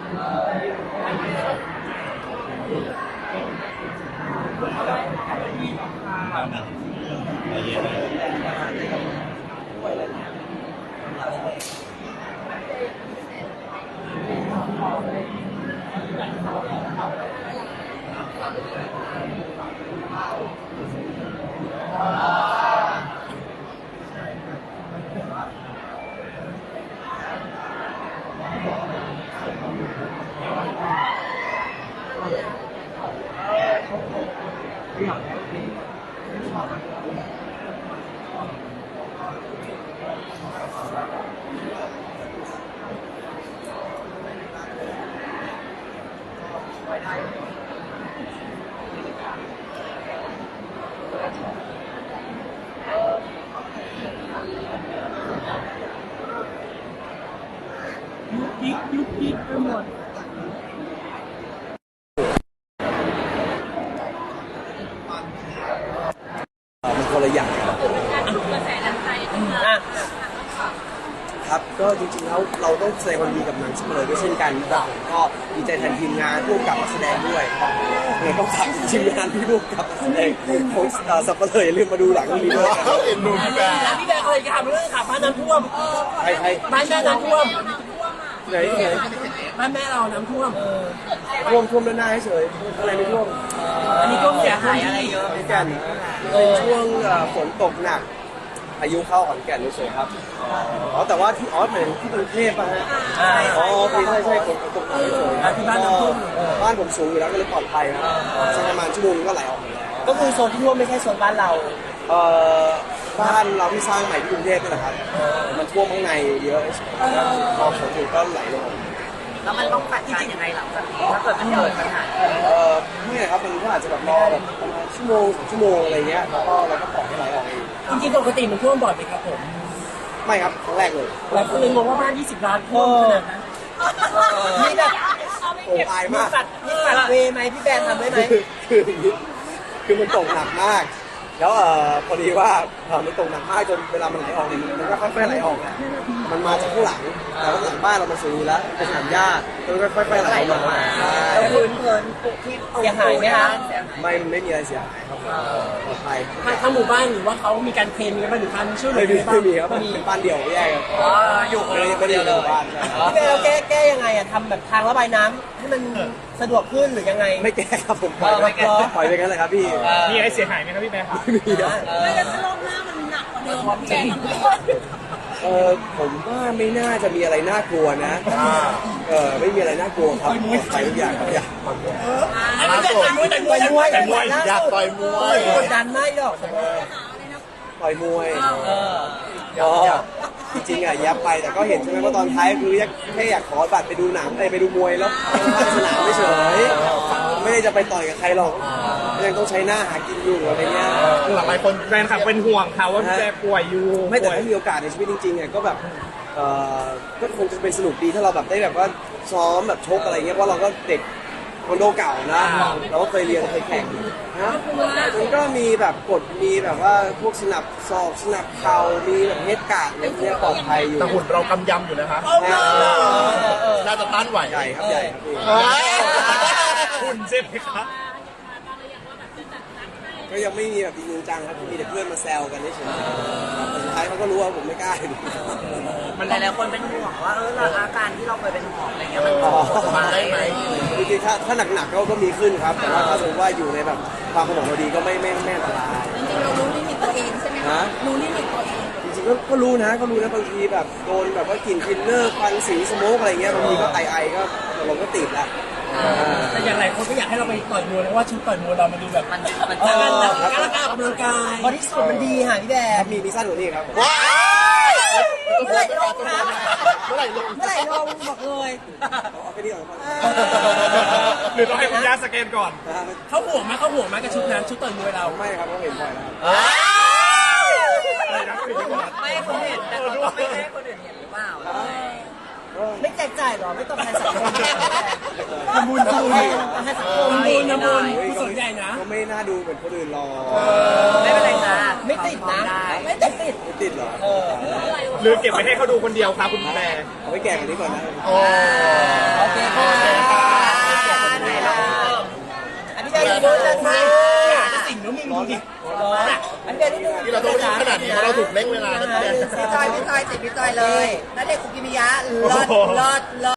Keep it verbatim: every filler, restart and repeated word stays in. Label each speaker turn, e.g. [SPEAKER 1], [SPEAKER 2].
[SPEAKER 1] ยุกยิกยุกยิกไปหมด
[SPEAKER 2] มันคนละอย่างครับครับก็จริงๆแล้วเราต้องแสดงความดีกับหนังสัปเหร่อด้วยเช่นกันครับก็ดีใจแทนทีมงานผู้กำกับนักแสดงด้วยเลยต้องฝากทีมงานที่ผู้กำกับนักแสดงของสัปเหร่ออย่าลืมมาดูหลังนี้ด้วยครับ
[SPEAKER 3] เอ็นดูพี่แบร์
[SPEAKER 1] พี่แบร์เคยทำเรื่องขับบ้านน้ำท่วม
[SPEAKER 2] ใครใคร
[SPEAKER 1] บ้านแม่น้ำท่วม
[SPEAKER 2] ไหนไหน
[SPEAKER 1] บ้านแม่เราน้ำท่วม
[SPEAKER 2] ท่วมท่วมด้านหน้าเฉยอะไรไม่ท่วม
[SPEAKER 1] อันนี้ก็เสียหายอะไรเยอะ
[SPEAKER 2] ขอนแก่นเป็นช่วงฝนตกหนักพายุเข้าขอนแก่นเฉยครับอ๋อแต่ว่าที่ออสเหมือนที่กรุงเทพป่ะฮะอ๋อใช่ใช่ใช่ฝนตกหนักเฉย
[SPEAKER 1] ที่บ้านน้ำท่วม
[SPEAKER 2] บ้านผมสูงอยู่แล้วก็เลยปลอดภัยครับสักประมาณชั่วโมงก็ไหลออกมาแล้ว
[SPEAKER 1] ก็คือโซนที่ท่วมไม่ใช่โซนบ้านเรา
[SPEAKER 2] เอ่อบ้านเราที่สร้างใหม่ที่กรุงเทพนี่แหละครับมันท่วมข้างในเยอะพอฝนตกก็ไหลลง
[SPEAKER 1] แล้วมันต้องจัดการยังไงหลังจากนี้ถ้าเกิดมันเกิดปัญหา
[SPEAKER 2] เออไม่ครับมันก็อาจจะแบบรอแบบประมาณชั่วโมงสองชั่วโมงอะไรเงี้ยแล้วก็เราก็ปล่อยให้ไหลออกเอง
[SPEAKER 1] จริงๆปกติมันท่วมบ่อยไหมครับผม
[SPEAKER 2] ไม่ครับครั้งแรกเลย
[SPEAKER 1] หลายคนเลยงงว่าบ้านยี่สิบล้านท่วมขนาดนั้นนี่แบบ
[SPEAKER 2] โอ้ตายมาก
[SPEAKER 1] นี่ปัดเวไหมพี่แบนทำได้ไหม
[SPEAKER 2] คือคือมันตกหนักมากแล้วเอ่อพอดีว่ามันตกหนักมากจนเวลามันไหลออกเนี่ยมันก็ค่อยๆไหลออกมันมาจากข้างหลังแต่ว่าหลังบ้านเรามันสูงอยู่แล้วเป็นสนามหญ้ามันก็ค่อยๆไหลลงมา
[SPEAKER 1] แล้วพื้นเพลินที่เสียหายไหมคะ
[SPEAKER 2] ไม่ไม่มีอะไรเสียหายครับปลอดภัย
[SPEAKER 1] ทั้งหมู่บ้านหรือว่าเขามีการเคลมกันมาหรือการช่วยเหลือ
[SPEAKER 2] ไม่มีครับเป็นบ้านเดี่ยวแยกครับ
[SPEAKER 1] อยู่
[SPEAKER 2] ไม่ได้ไม่ได้ในหมู่บ้าน
[SPEAKER 1] พี่แก้แก้ยังไงอะทำแบบทางระบายน้ำให้มันสะดวกขึ้นหรือยังไง
[SPEAKER 2] ไม่แก้ครับผมปล่อยไปปล่อยไปงั้นเลยครับพี่
[SPEAKER 1] มีอะไรเสียหายไหมครับพี่แม่ครับ
[SPEAKER 2] ไม่มีครับ
[SPEAKER 4] ไม่แล้วถ้ารอบหน้ามันหนักกว่าเดิมพี่แบร์
[SPEAKER 2] เออผมว่าไม่น่าจะมีอะไรน่ากลัวนะเออไม่มีอะไรน่ากลัวครับไปทุกอย่างครับอยาก
[SPEAKER 1] ต่อยมวยต่อยมวยต่อยมวย
[SPEAKER 3] อยากต่อยมวย
[SPEAKER 1] กดดันไม่หรอก
[SPEAKER 2] ต่อยมวยอ๋อจริงๆอ่ะยับไปแต่ก็เห็นใช่ไหมว่าตอนท้ายคือแค่อยากขอบัตรไปดูหนังไปดูมวยแล้วไปสนามไม่เฉยไม่ได้จะไปต่อยกับใครหรอกยังต้องใช้หน้าหากินอยู่อะไรเงี้ย
[SPEAKER 3] หลายคนแฟนคลับเป็นห่วงเขาว่าแกป่วยอยู่
[SPEAKER 2] ไม่แต่ถ้ามีโอกาสในชีวิตจริงๆเนี่ยก็แบบเออก็คงจะเป็นสนุกดีถ้าเราแบบได้แบบว่าซ้อมแบบชกอะไรเงี้ยเพราะเราก็เด็กคอนโดเก่านะเราก็เคยเรียนเคยแข่งนะมันก็มีแบบกฎมีแบบว่าพวกสนับศอกสนับเข่ามีแบบเฮดการ์ดอะไรเงี้ยปลอดภัยอยู่
[SPEAKER 3] แต่หุ่นเรากำยำอยู่นะคะน่าจะต้านไหว
[SPEAKER 2] ใหญ่ครับใหญ่ครับ
[SPEAKER 3] หุ่นเจ็บไหมครับ
[SPEAKER 2] ก็ยังไม่มีแบบจริงจังครับมีแต่เพื่อนมาแซวกันเฉยๆสุดท้ายเขาก็รู้ว่าผมไม่กล้า
[SPEAKER 1] มันหลายๆคนเป็นห่วงว่าเอออาการที่เราเคยเป็นห่วงอะไรเงี้ยมันมาได้ไหม
[SPEAKER 2] จริงๆถ้าถ้าหนักๆก็ก็มีขึ้นครับแต่ว่าถ้าสมมติว่าอยู่ในแบบความสมองเราดีก็ไม่ไม่ไม่อันตราย
[SPEAKER 4] จริงๆเรารู้ลิมิตตัวเองใช่ไหมคะรู้ลิมิตตัวเอง
[SPEAKER 2] จริงๆก็ก็รู้นะก็รู้นะบางทีแบบโดนแบบว่ากลิ่นฟิลเลอร์ควันสีสโมกอะไรเงี้ยบางทีก็ไอไอก็เราก็ติดละ
[SPEAKER 1] แต่อย่างไรคนก็อยากให้เราไปต่อยมวยเพราะว่าชุดต่อยมวยเรามันดูแบบมันมันการการออกกำลังกายบอดี้สูทมันดีค่ะพี่แบร์
[SPEAKER 2] มีมีสั้นกว่านี้ครับ
[SPEAKER 3] ว้าว
[SPEAKER 1] เมื่อไหร่ลงครับ
[SPEAKER 3] เมื่อไหร่ลง
[SPEAKER 1] เมื่อไหร่ลงบอกเลย
[SPEAKER 2] เอาไปดีก่อน
[SPEAKER 3] หรือต้องให้คุณย่าสแกนก่อน
[SPEAKER 1] เขาห่วงไหมเขาห่วงไหมกับชุดนั้นชุดต่อยมวยเรา
[SPEAKER 2] ไม่ครับเขาเห็นบ่อยแล้ว
[SPEAKER 1] ไม่คนเห็นแต่เขาไม่ให้คนอื่นเห็นหรือเปล่าไม่แจกจ่ายหรอไม่ต้องใครสังคมทำบุญทำบุญให้สังคมบุญนะบุญผู้สนใจนะ
[SPEAKER 2] ก็ไม่น่าดูเหมือนคนอื่นหรอก
[SPEAKER 1] ไม่เป็นไรนะไม่ติดนะไม่ติด
[SPEAKER 2] ไม่ติดหรอ
[SPEAKER 3] หรือเก็บไปให้เขาดูคนเดียวครับคุณแม่
[SPEAKER 2] เอาไปแก่กันนี้ก่อนนะ
[SPEAKER 1] โอเคอันเดียวนิดนึง
[SPEAKER 3] ที่เราต้องรีบขนาดนี้เพราะเราถูกเร่งเวลานะพี่แดน
[SPEAKER 1] พี่จอยพี่จอยติดพี่จอยเลยณเดชน์คุกิมิยะลอดลอดลอด